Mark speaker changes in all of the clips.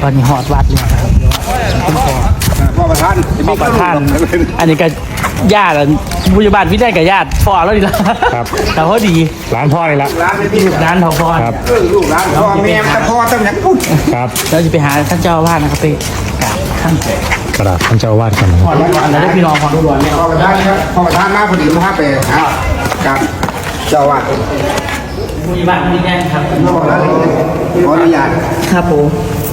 Speaker 1: ตอนนี้หอดวัดเลยครับคุณพ่อ
Speaker 2: ประธาน
Speaker 1: อันนี้ก็ญาติผู้ใหญ่บ้านพี่ได้กับญาติพ่อแล้วดีละ
Speaker 3: ครับ
Speaker 1: แต่เขาดี
Speaker 3: ร้านพ่อเลยละ
Speaker 1: ร้านพ่อ
Speaker 3: ครับ
Speaker 2: ลูกร้านพ่อแม่แต่พ่อต้องอย่างพูด
Speaker 3: ครับ
Speaker 1: เราจะไปหาท่านเจ้าอาวาสนะครับไปกราบท่าน
Speaker 3: กราบท่านเจ้าอาวาสกันนะครับ
Speaker 1: แล้วได้พี่น้องของทุกคนเนี่ย
Speaker 2: พ่อประธานครับพ่อประธานมาพอดีมาไปกับเจ้าอาวาส
Speaker 1: ผู้ใหญ่บ้านพี่ได้ครับ
Speaker 2: ขออนุญาต
Speaker 1: ครับผม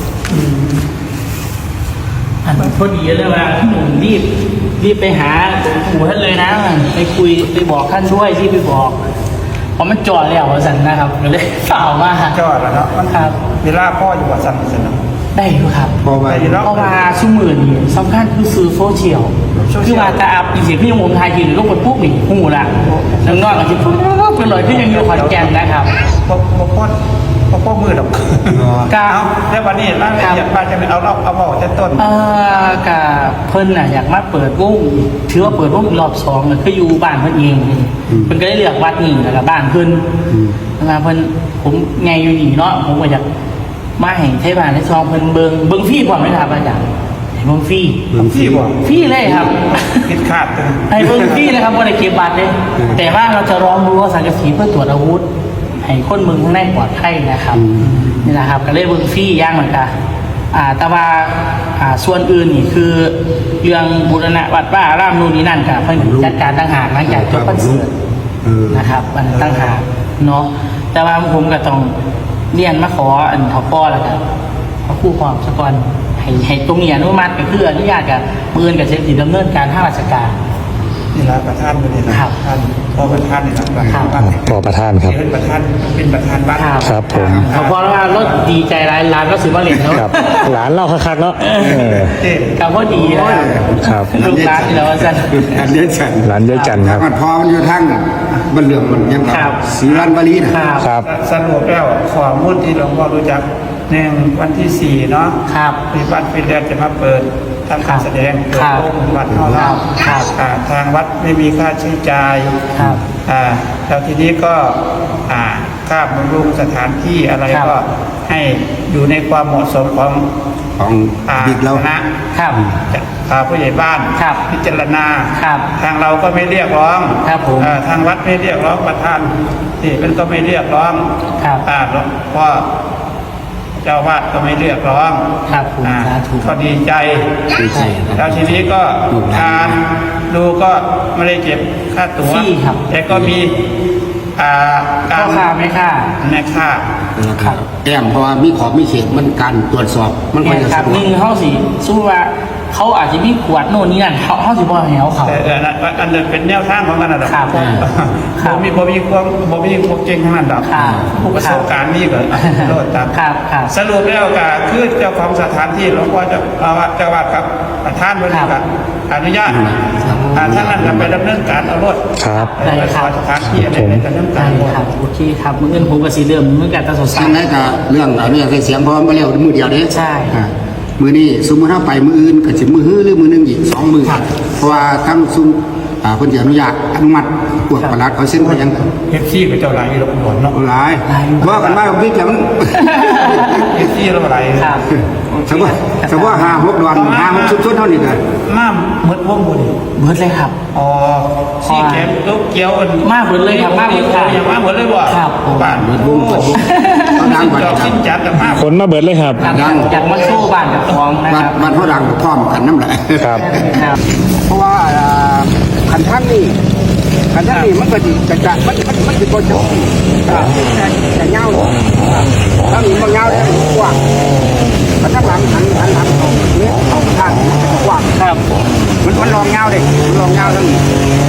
Speaker 1: อันพอดีเลยว่าหนุ่มรีบไปหาปู่ท่านเลยนะไปคุยไปบอกท่านด้วยที่ไปบอกเพราะมันจอดแล้วสันนะครับเลยเปล่ามา
Speaker 4: จอดแล้วเนาะมัน
Speaker 1: ครับ
Speaker 4: เวลาพ่ออยู่กับสันสน
Speaker 1: ได้ครับ
Speaker 2: เพราะ
Speaker 1: ว่าชั่วโมงนี้สำคัญคือซื้อโซเชียลคือว่าตาอับอีกสิ่งที่ยังผมทายทีหรือลูกคนพวกหนีหูละน้องๆอาจจะพูดเป็นรอยที่ยังอยู่ขอนแก่นนะครับ
Speaker 4: พ่อมือดอก
Speaker 1: กา
Speaker 4: แล้ววันนี้ร่างอยากมาจะเอาบอกจะต้น
Speaker 1: กาเพิ่นน่ะอยากมาเปิดวงถือว่าเปิดวงรอบ2เลยคืออยู่บ้านเพิ่นเองเพิ่นก็ได้เลือกวัดนี้แล้วก็บ้านเพิ่นมาเพิ่นผมไงอยู่นี่เนาะผมก็อยากมาแห่งเทพานในซองเพิ่นเบิงฟรีพร้อมไหมครับอาจารย์เบิงฟรีฟรีเลยครับ
Speaker 4: คิดขาด
Speaker 1: ให้เบิงฟรีเลยครับบ่ได้เก็บบัตรเลยแต่ว่าเราจะร้องรู้ว่าสังกะสีเพื่อตรวจอาวุธให้คนเมืองข้างในปลอดภัยนะครับนี่นะครับก็เลยเบิงฟรีย่างเหมือนกันแต่ว่าส่วนอื่นนี่คือเรื่องบูรณะวัดว่าอารามนู่นนี่นั่นกับเพิ่นจัดการต่างหากหลังจากจบคอนเสิร์ตนะครับมันต่างหากเนาะแต่ว่าผมก็ต้องเรียนมาขออันเขาป้อแล้วกันเขาคู่ความสกอนให้ตรงนี้อนุมัติก็คืออนุญาตกับปืนกับเซฟตี้ดำเนินการทางราชการ
Speaker 4: นี่ละประธานนี่นะครับท่านพ่อประธานนี่นะครับ
Speaker 3: พ่อประธานครับ
Speaker 4: เป็นประธานบ้าน
Speaker 3: ครับผม
Speaker 1: เขาพอแล้วรถดีใจร้านก็ซื้อมาเหรียญแล้ว
Speaker 3: หลานเล่าคักๆเนาะ
Speaker 1: กับพ่อดี
Speaker 3: นะครับ
Speaker 1: ลูกร้านนี่แล้วจัน
Speaker 2: ร้านเยอะจัน
Speaker 3: ร้านเยอะจันครับ
Speaker 2: พอมันอยู่ทั้งบันเหลื่อมมันยังครับศรีรันบรี
Speaker 3: นะครับ
Speaker 4: สรุปแล้วขอมุ่นที่หลวงพ่อรู้จักวันที่4เนาะ
Speaker 1: ครับ
Speaker 4: มีวัดฟิลแลนด์จะมาเปิดทำการแสดงเปิดโรงวัดเท่านั้นทางวัดไม่มีค่าใช้จ่ายแล้วทีนี้ก็ค่าบำรุงสถานที่อะไรก็ให้อยู่ในความเหมาะสมของ
Speaker 2: ดิกเรา
Speaker 1: นะครับ
Speaker 4: ผู้ใหญ่บ้านพิจารณาทางเราก็ไม่เรียกร้องทางวัดไม่เรียกร้องประธานที่มันก็ไม่เรียกร้องเพราะเจ้าวาดก็ไม่เรียกร้องก็ดีใจแล้วทีนี้ก็การดูก็ไม่ได้เก็บค่าตั๋วแต่ก็มี
Speaker 1: การค่าไม่ค่า
Speaker 2: แอมเพราะว่ามีขอบมีเขตมันการตรวจสอบมัน
Speaker 1: ก็จะหนึ่งเขาสิสู้ว่าเขาอาจจะมีขวดโน่นนี่นั่นเขาสิบ่ให้เขา
Speaker 4: แต่อันนั้นเป็นแนวทางของมันนะครับบ่มีความเก่งทั้งนั้นหรอกผู้ประสบการณ์นี่ก็โลดตามสรุปแล้วก็คือเจ้าของสถานที่หลวงพ่อเจ้าวาดครับประธานบริษัทอนุญาตท่านนั้นก็ไปดำเนินการเอารถ
Speaker 1: ได้ครับ
Speaker 4: สถานที่อะไรในการดำเนินการ
Speaker 1: โอเคครับเงินผมก็สีเริ่มเมื่อการตัดสินใจ
Speaker 2: นั่นก็เรื่องเสียงพร้อมมาแล้วมือเดียวเด้
Speaker 1: ใช่
Speaker 2: มือนี้สมมติถ้าไปมืออื่นก็จะมือหรือมือนึงอีก2 มือเพราะว่าทั้งซุ้มคนจะอนุญาตอนุมัติปวดประหลัดเขาเส้นไปยัง
Speaker 4: เอฟซีกับเจ้าหลายเราหมดเนาะ
Speaker 2: หลายว่ากันว่าพี่จัง
Speaker 4: เอฟซีเราหลาย
Speaker 2: สมมติว่า5-6 วัน5-6 ชุดเท่านี้กัน
Speaker 4: มาเมื่อวงบุญ
Speaker 1: เมื่อเลยครับ
Speaker 4: ซีแกมลูกเกี้ยว
Speaker 1: มาเหมือนเลยครับมาเหมือน
Speaker 4: ค่ะอย่างมาเหมือนเลยบ่
Speaker 1: ครับ
Speaker 4: บ้าน
Speaker 2: เมื่อวง
Speaker 4: ดังกว่าสิ้นจัดกับมา
Speaker 3: คนมาเบิดเลยครับ
Speaker 1: ดังจากมาสู้บ้านกับท้องนะครับ
Speaker 2: บ้านเขาดังพร้อมกันน้ำไหล
Speaker 3: ครับ
Speaker 2: เพราะว่าขันท่านนี่มันก็จะมันจะโกจจะเงาถ้ามีมันเงาได้กว้างแต่ถ้าหลังหันหลังเนี่ยเอาทางกว้าง
Speaker 1: ครับ
Speaker 2: มันลองเงาเลยลองเงาทั้งนี้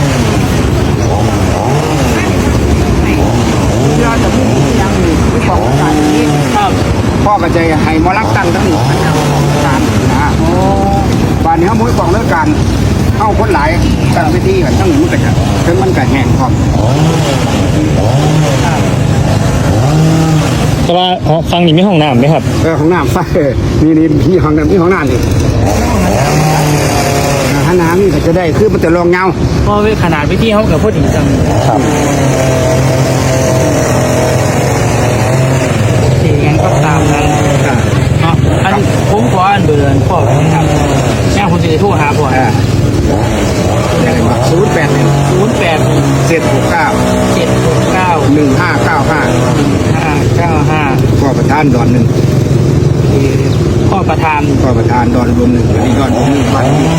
Speaker 2: เราจะพูดยังไม่บอกการนี้พ่อก็จะให้มอลักตั้งทั้งหมดการบ้านนี้เขาไม่บอกเรื่องการเข้าคนหลายตั้งไปที่กันทั้งหมดกันถึงมันก็แห้งพร้อม
Speaker 3: แต่ว่าฟังนี่มีห้องน้ำไหมครับ
Speaker 2: ห้องน้ำนี่มีห้องน้ำนี่ถ้าน้ำนี่จะได้คือมันจะลองเงา
Speaker 1: เพราะขนาดวิธีเขากับพวกถึงจัง
Speaker 3: ครับ
Speaker 1: ยังก็ตามนั้นอันผม
Speaker 2: ประธานดอนหนึ่ง
Speaker 1: พ่อประธาน
Speaker 2: พ่อประธานดอนรวมหนึ่งอันนี้ดอนรวมหนึ่งบ้านที่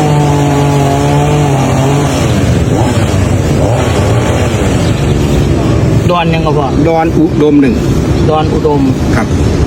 Speaker 1: ดอนยังก็บอก
Speaker 2: ดอนอุดมหนึ่ง
Speaker 1: ดอนอุดม
Speaker 2: ครับ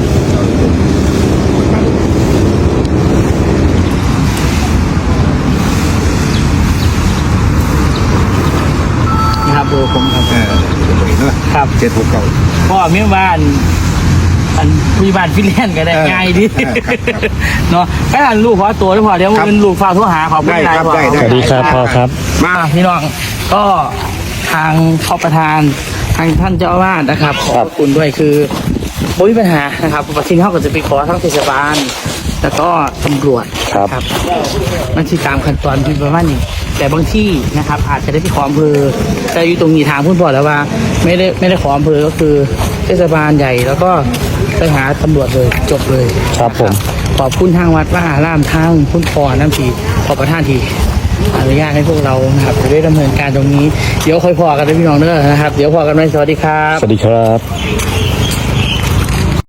Speaker 1: นะครับเบอร์ผมครับ
Speaker 2: เนาะ
Speaker 1: ครับ
Speaker 2: 769
Speaker 1: พ่อมีบ้านอันมีบ้านฟิลแลนด์ก็ได้ง่ายดีเนาะแค่ลูกขอตัวได้พอเดี๋ยวเป็นลูกฝากโทรหาขอบคุณหลายพ่อ
Speaker 3: สวัสดีครับพ่อครับ
Speaker 1: มาพี่น้องก็ทางพ่อประธานทางท่านเจ้าอาวาสนะครับขอบคุณด้วยคือไม่มีปัญหานะครับประเทศเขาก็จะไปขอทั้งเทศบาลแล้วก็ตำรวจ
Speaker 3: ครับ
Speaker 1: มันคือตามขั้นตอนที่ประมาณนี้แต่บางที่นะครับอาจจะได้ไปขออำเภอแต่อยู่ตรงนี้ทางพูดบอกแล้วว่าไม่ได้ขออำเภอก็คือเทศบาลใหญ่แล้วก็ไปหาตำรวจเลยจบเลย
Speaker 3: ครับผม
Speaker 1: ขอบคุณทางวัดว่าอารามทางคุณพอน้ำทีขอประทานทีอนุญาตให้พวกเรานะครับจะได้ดำเนินการตรงนี้เดี๋ยวค่อยพอกันนะพี่น้องเด้อนะครับเดี๋ยวพอกันไหมสวัสดีครับ
Speaker 3: สวัสดีครับ